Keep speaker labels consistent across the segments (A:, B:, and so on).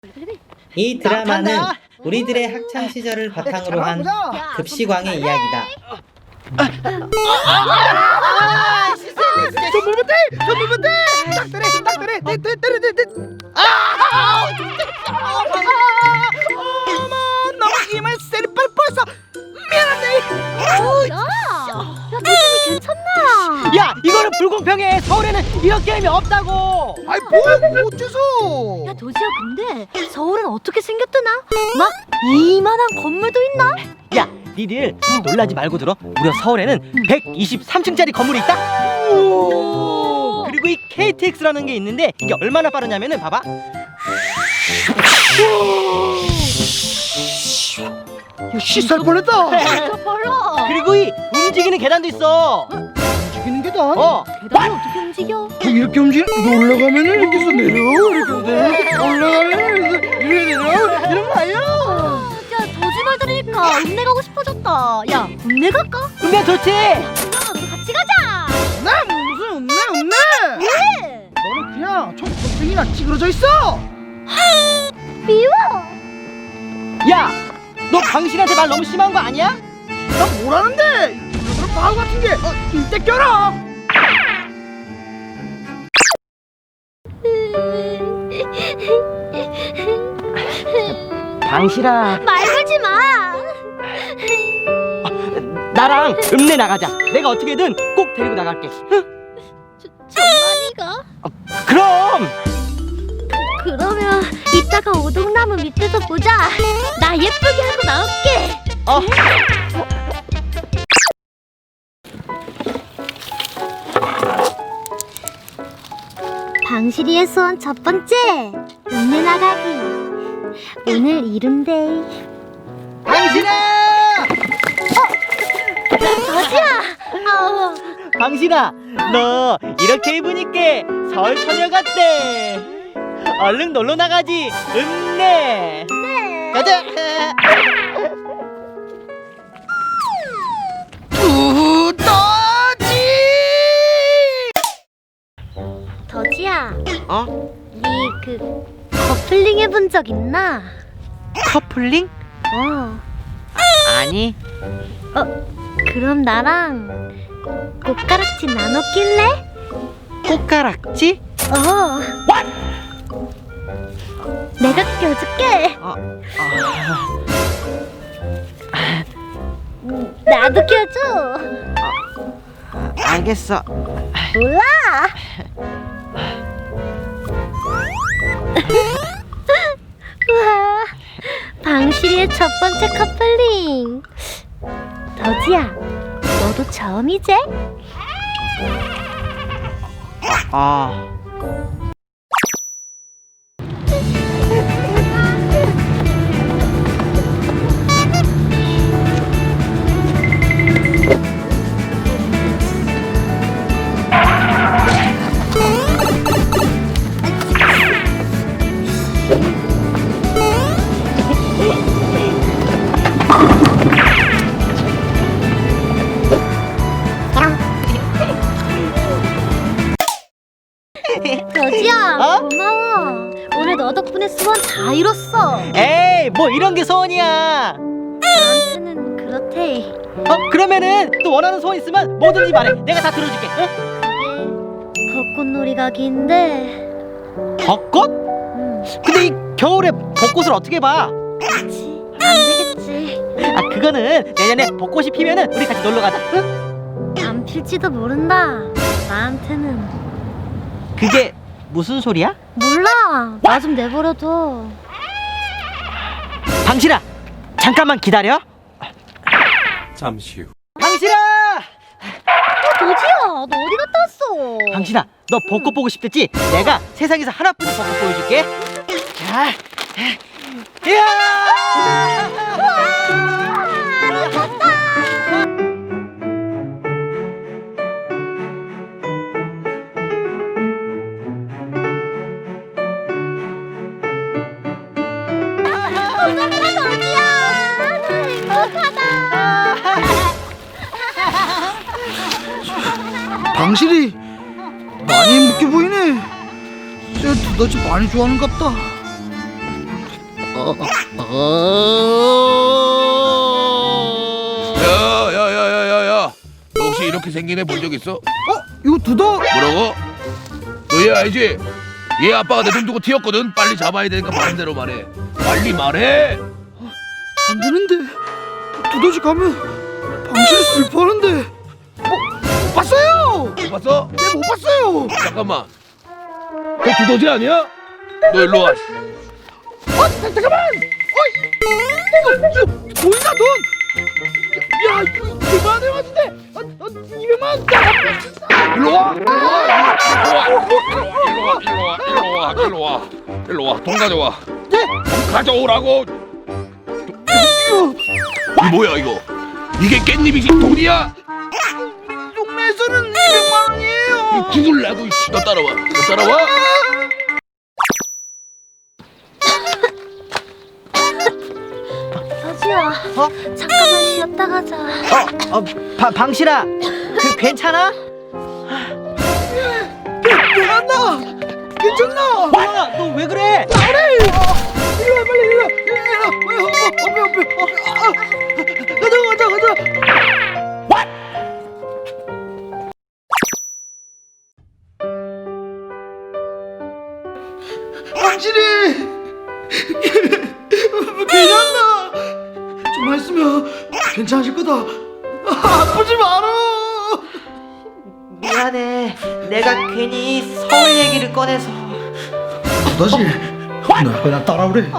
A: 이 드라마는 우리들의 학창 시절을 바탕으로 한 급식왕의 이야기다.
B: 전부부대 딱 때려 어머 너무 힘을 세리 뻔뻔했어. 미안한데.
C: 야, 도준이 괜찮나?
D: 야, 이거는 불공평해. 서울에는 이런 게임이 없다고.
B: 아이 뭐 어째서?
C: 야, 도지야, 근데 서울은 어떻게 생겼더나? 막 이만한 건물도 있나?
D: 야, 니들 놀라지 말고 들어. 무려 서울에는 123층짜리 건물이 있다. 그리고 이 KTX라는 게 있는데 이게 얼마나 빠르냐면은 봐봐.
B: 야, 시살 뻔했다.
C: 벌러.
D: 그리고 이 움직이는 계단도 있어.
B: 움직이는 계단?
C: 계단을 어떻게 움직여?
B: 이렇게 움직이는 올라가면은 이렇게 해서 내려 이렇게 올라가면 이렇게 내려 이런 거 아니야?
C: 야, 도지 말 들으니까 읍내 가고 싶어졌다. 야, 읍내 갈까?
D: 근데 좋지.
C: 그럼 같이 가자.
B: 나 무슨 없네.
C: 왜?
B: 너는 그냥 청국등이나 찌그러져 있어.
C: 미워.
D: 야, 너 당신한테 말 너무 심한 거 아니야?
B: 나 뭐라는데? 이런 바보 같은 게 이때 껴라.
D: 당신아,
C: 말 걸지 마.
D: 나랑 읍내 나가자. 내가 어떻게든 꼭 데리고 나갈게.
C: 정말이가?
D: 그럼.
C: 그러면 이따가 오동나무 밑에서 보자. 나 예쁘게 하고 나올게. 방실이의 소원 첫 번째, 읍내 나가기. 오늘 이른데이.
B: 당신아!
C: 도지야.
D: 당신아, 너 이렇게 입으니까 서울 처녀 같대. 얼른 놀러 나가지. 읍내.
C: 네.
D: 가자.
B: 두더지!
C: 도지야,
D: 어?
C: 니 그 커플링 해본 적 있나?
D: 커플링? 아니.
C: 그럼 나랑 꽃가락지 나눠 낄래?
D: 꽃가락지?
C: 내가 껴줄게. 나도 껴줘.
D: 알겠어.
C: 몰라. 우와, 방실이의 첫 번째 커플링. 더지야, 너도 처음이지? 더지야, 고마워. 오늘 너 덕분에 소원 다 이뤘어.
D: 에이, 뭐 이런 게 소원이야.
C: 나한테는 그렇대.
D: 그러면은 또 원하는 소원 있으면 뭐든지 말해. 내가 다 들어줄게. 응?
C: 그게 벚꽃놀이 가기인데.
D: 벚꽃? 근데 이 겨울에 벚꽃을 어떻게 봐?
C: 그치, 안 되겠지.
D: 그거는 내년에 벚꽃이 피면은 우리 같이 놀러 가자. 응?
C: 안 필지도 모른다. 나한테는.
D: 그게 무슨 소리야?
C: 몰라. 나 좀 내버려둬.
D: 당신아, 잠깐만 기다려.
E: 잠시 후.
D: 당신아!
C: 도지야, 너 어디 갔다 왔어?
D: 당신아, 너 벚꽃 보고 싶댔지? 내가 세상에서 하나뿐인 벚꽃 보여줄게. 자, 이야!
B: 방실이 많이 묶여 보이네. 쟤 두더지 많이 좋아하는갑다.
E: 야야야야야야, 너 혹시 이렇게 생긴 애 본 적 있어?
B: 이거 두더.
E: 뭐라고? 너 얘 알지? 얘 아빠가 내 돈 두고 튀었거든. 빨리 잡아야 되니까 반대로 말해. 빨리 말해.
B: 안 되는데. 두더지 가면 방실이 슬퍼하는데. 못 봤어요.
E: 못 봤어?
B: 네, 못 봤어요.
E: 잠깐만. 너 두더지 아니야? 너 일로 와.
B: 잠깐만. 이거 보이나 돈? 야, 이거 200만 원 같은데. 200만 원.
E: 일로 와. 일로 와. 일로 와. 돈 가져와.
B: 네?
E: 돈 가져오라고. 이 뭐야 이거? 이게 깻잎이지 돈이야?
B: 동네에서는 200만 원이에요.
E: 죽을라고. 너 따라와. 너 따라와.
C: 서지야, 잠깐만 쉬었다 가자.
D: 방실아, 괜찮아?
B: 내가 나 괜찮나?
D: 뭐야, 너 왜 그래?
B: 나래. 일로 와, 빨리 일로 와. 가자. 당신이 괜찮나? 좀만 있으면 괜찮아질 거다. 아프지 마라.
A: 미안해. 내가 괜히 서울 얘기를 꺼내서.
B: 다시 너 그냥 따라오래.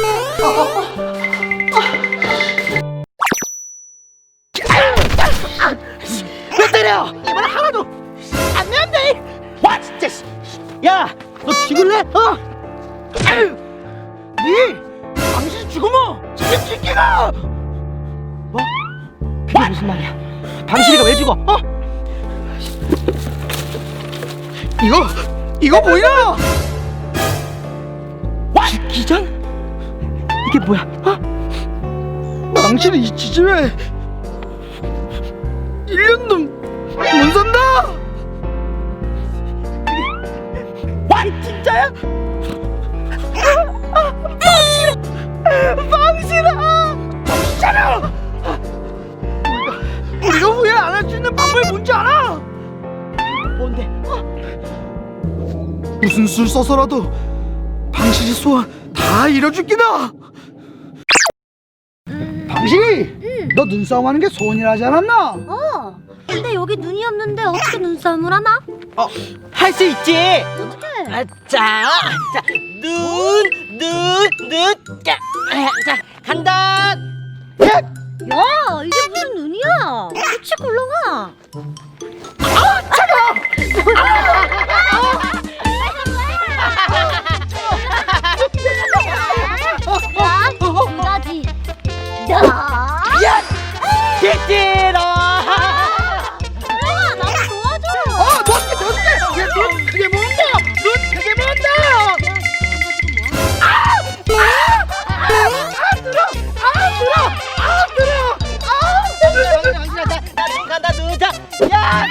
D: 왜 때려? 이번에 하나도 안 내는데. 와 진짜. 야, 너 죽을래?
B: 니 당신 죽으면 책임질게가.
D: 뭐? 그게 무슨 말이야? 방실이가 왜 죽어?
B: 이거 보이나?
D: 기전? 이게 뭐야?
B: 당신이 이 지집에 1년도 못 산다.
D: 와 진짜야?
B: 방실아, 정신차려. 우리가 후회 안 할 수 있는 방법이 뭔지 알아?
D: 뭔데?
B: 무슨 술 써서라도 방실이 소원 다 이뤄줄기다. 방실이, 너 눈싸움 하는 게 소원이라 하지 않았나?
C: 근데 여기 눈이 없는데 어떻게 눈싸움을 하나?
D: 할 수 있지.
C: 어떻게?
D: 자, 자, 간다.
C: 야, 이게 무슨 눈이야? 그치 굴렁아. 야, 이거지. 야,
D: 찌찌러.
C: 굴렁아, 나도 도와줘.
B: 너한테 눈 크게 모은다. 눈 크게 모은다.
D: 나눈 간다 눈. 자, 야.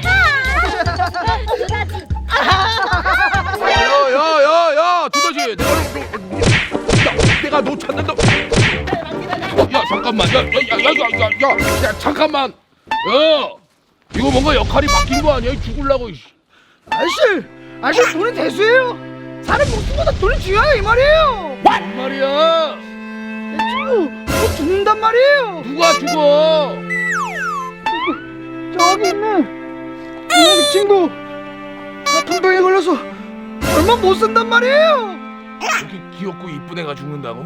E: 야야야야, 두더지. 내가 너 찾는다. 야 잠깐만. 야 잠깐만. 야 이거 뭔가 역할이 바뀐 거 아니야? 죽을라고.
B: 아저씨 돈이 대수예요. 사람 목숨보다 돈이 중요하다 이 말이에요.
E: 뭔 말이야?
B: 내 친구 곧 죽는단 말이에요.
E: 누가 죽어?
B: 저기 있는 이야기 친구 아픈 병에 걸려서 얼마 못 산단 말이에요.
E: 이렇게 귀엽고 이쁜 애가 죽는다고?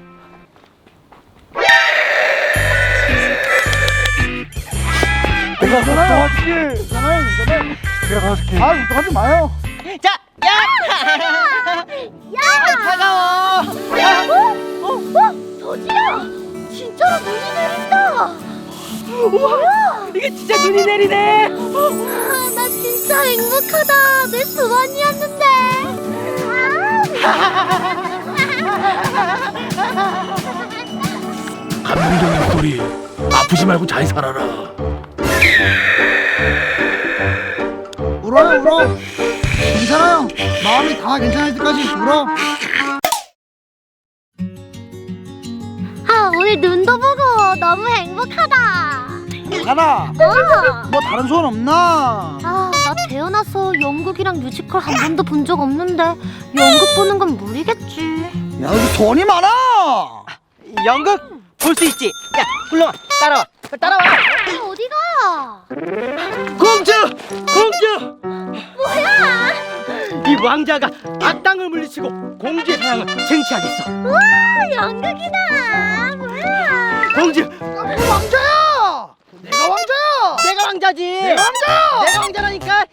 B: 내가 도와줄게. 괜찮아요. 내가 도와줄게. 걱정하지 마요.
D: 자, 야. 차가워.
C: 도지야, 진짜로 눈이 내린다. 뭐야?
D: 이게 진짜 눈이 내리네.
C: 나 진짜 행복하다. 내 소원이었는데.
E: 감동적인 스토리. 아프지 말고 잘 살아라.
B: 울어. 괜찮아요. 마음이 다 괜찮을 때까지 울어.
C: 오늘 눈도 보고 너무 행복하다.
B: 나나
C: 어.
B: 뭐 다른 소원 없나?
C: 나 태어나서 연극이랑 뮤지컬 한 번도 본 적 없는데 연극 보는 건 무리겠지.
B: 야 여기 소원이 많아.
D: 연극 볼 수 있지. 야, 훌렁아, 따라와.
C: 어디가?
B: 공주 공주.
C: 뭐야?
D: 이 왕자가 악당을 물리치고 공주의 사랑을 쟁취하겠어.
C: 우와, 연극이다. 뭐야?
D: 공주,
B: 왕자야. 내가 왕자야.
D: 내가 왕자지.
B: 내가 왕자야.
D: 내가 왕자라니까.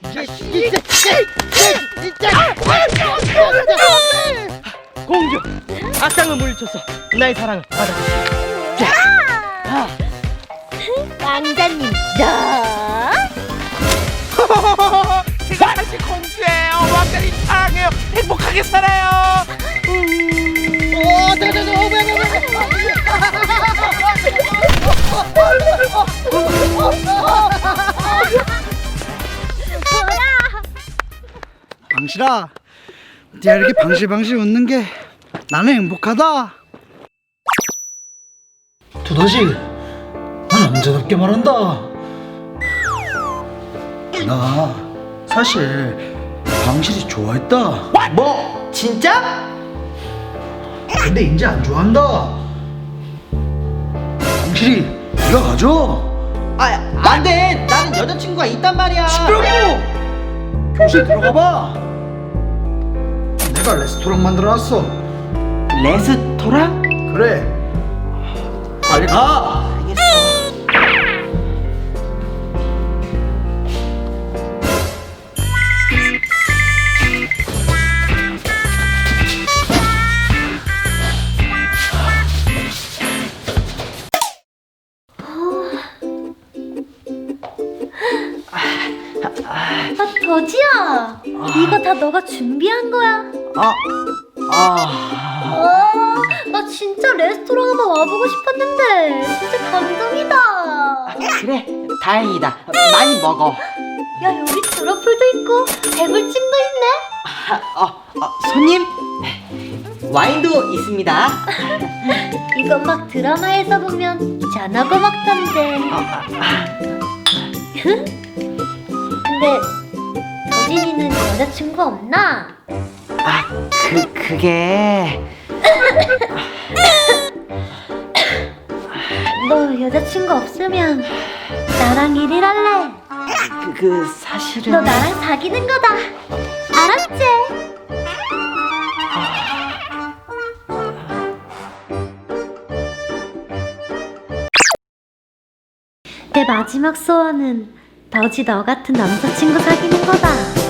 D: 공주, 악당을 물리쳐서 나의 사랑을 받아주세요.
C: 왕자님, 너?
E: 제가 다시 공주예요. 왕자님 사랑해요. 행복하게 살아요.
B: 방실아, 네가 이렇게 방실방실 웃는 게 나는 행복하다. 두더지, 난 남자답게 말한다. 나 사실 방실이 좋아했다.
A: 뭐? 진짜?
B: 근데 이제 안 좋아한다. 방실이 네가 가져.
A: 안돼. 나는 여자친구가 있단 말이야.
B: 시끄럽고. 교실 들어가봐. 내가 레스토랑 만들어놨어.
A: 레스토랑?
B: 그래. 빨리 가.
C: 더지야, 이거 다 너가 준비한 거야? 나 진짜 레스토랑 한번 와보고 싶었는데 진짜 감동이다.
A: 그래, 다행이다. 많이 먹어.
C: 야, 여기 트러플도 있고 배불찜도 있네.
A: 손님, 와인도 있습니다.
C: 이건 막 드라마에서 보면 전하고 먹던데. 근데 더진이는 여자친구 없나?
A: 그게
C: 너 여자친구 없으면 나랑 1일 할래.
A: 사실은
C: 너 나랑 사귀는 거다. 알았지? 내 마지막 소원은 더지 너 같은 남자친구 사귀는 거다.